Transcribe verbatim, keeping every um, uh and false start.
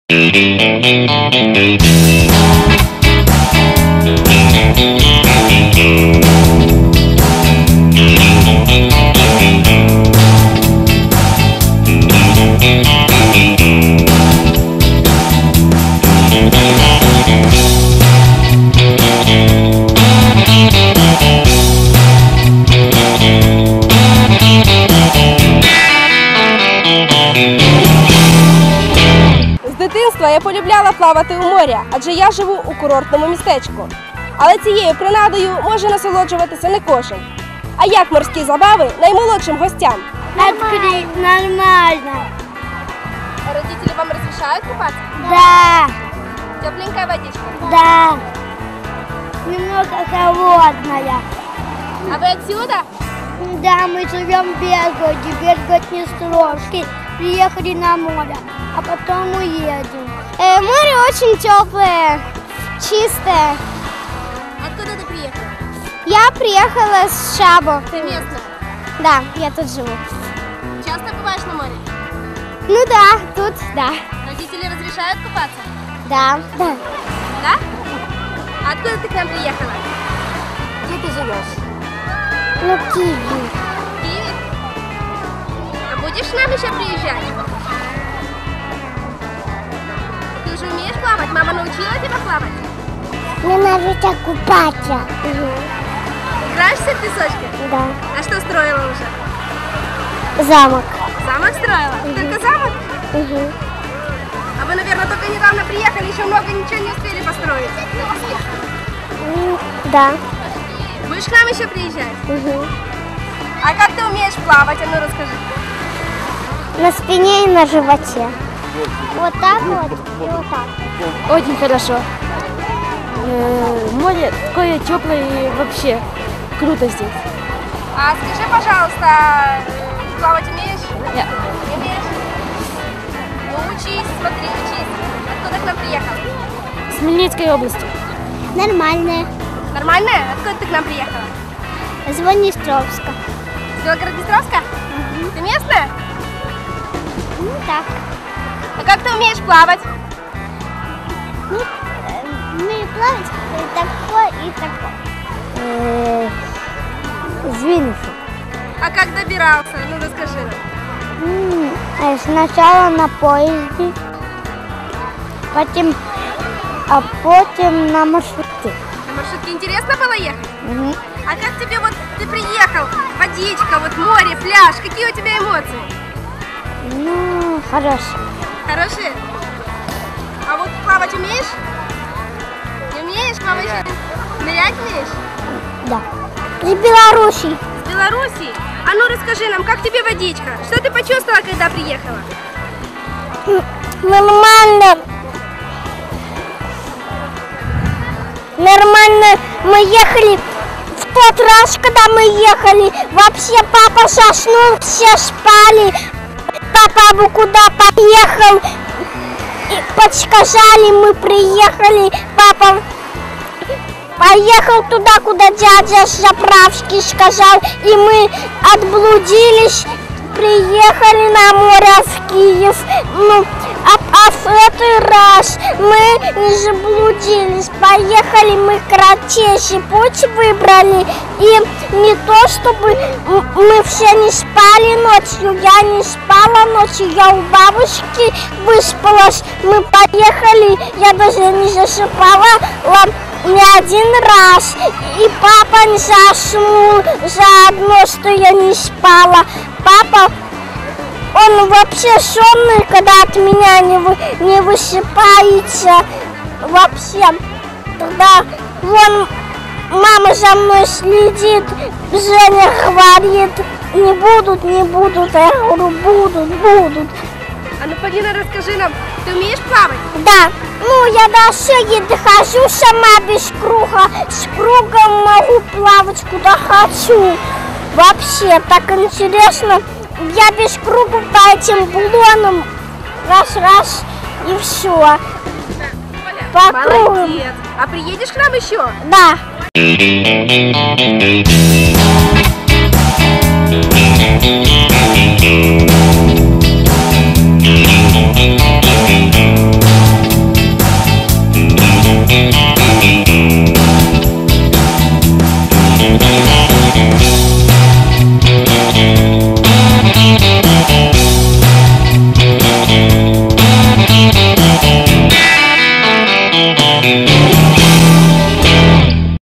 З дитинства я полюбляла плавати у морі, адже я живу у курортному містечку. Але цією принадою може насолоджуватися не кожен. А як морські забави наймолодшим гостям? Открыть, нормально. Родители вам разрешают купаться? Да, Тепленькая водичка? да. Немного холодная. А вы отсюда? Да, мы живем в Белгороде, Белгород-Днестровский. Приехали на море, а потом уедем. Э, море очень теплое, чистое. Откуда ты приехала? Я приехала с Шабо. Ты местная? Да, я тут живу. Часто бываешь на море? Ну да, тут да. Родители разрешают купаться? Да. Да. Да? А откуда ты к нам приехала? Где ты живешь? Ну, Киев. В Киеве? А будешь к нам еще приезжать? Ты уже умеешь плавать? Мама научила тебя плавать? Мне нравится купаться. Играешься в песочке? Да. А что строила уже? Замок. Замок строила? Только замок? Угу. А вы, наверное, только недавно приехали, еще много ничего не успели построить. Да. Будешь к нам еще приезжать? Угу. А как ты умеешь плавать? А ну расскажи. На спине и на животе. Вот так вот и вот так. Очень хорошо. Э, Море такое теплое и вообще круто здесь. А скажи, пожалуйста, плавать умеешь? Нет. Не умеешь? Ну учись, смотри, учись. Откуда к нам приехал? С Хмельницкой области. Нормальная. Нормально? Откуда ты к нам приехала? Из Днестровска. С Белгород-Днестровска? Ты местная? Ну так. А как ты умеешь плавать? Ну, э, умею плавать и такой, и такой. С Винницы. А как добирался? Ну расскажи нам. Сначала на поезде, потом, а потом на маршрутке. На маршрутке интересно было ехать? Угу. А как тебе вот, ты приехал, водичка, вот море, пляж, какие у тебя эмоции? Ну, хорошо. Хорошие? А вот плавать умеешь? Не умеешь плавать? Нырять умеешь? Да. Из Беларуси. С Белоруссии? А ну расскажи нам, как тебе водичка? Что ты почувствовала, когда приехала? Нормально. Нормально. Мы ехали в тот раз, когда мы ехали. Вообще папа заснул, все спали. Папа бы куда поехал. И подсказали, мы приехали. Папа поехал туда, куда дядя с заправки сказал. И мы отблудились. Приехали на море в Киев. Ну, а, а в этот раз мы не заблудились. Поехали, мы кратчайший путь выбрали. И не то, чтобы мы все не спали ночью. Я не спала ночью, я у бабушки выспалась. Мы поехали, я даже не засыпала ни один раз. И папа не заснул заодно, что я не спала. Папа, он вообще сонный, когда от меня не, вы, не высыпается. Вообще, тогда вон мама за мной следит, Женя говорит, не будут, не будут. А я говорю, будут, будут. А ну, Полина, расскажи нам, ты умеешь плавать? Да, ну я даже и дохожу сама без круга, с кругом могу плавать куда хочу. Вообще, так интересно, я без круга по этим блонам раз-раз и все. По кругу. Молодец. А приедешь к нам еще? Да. Thank you.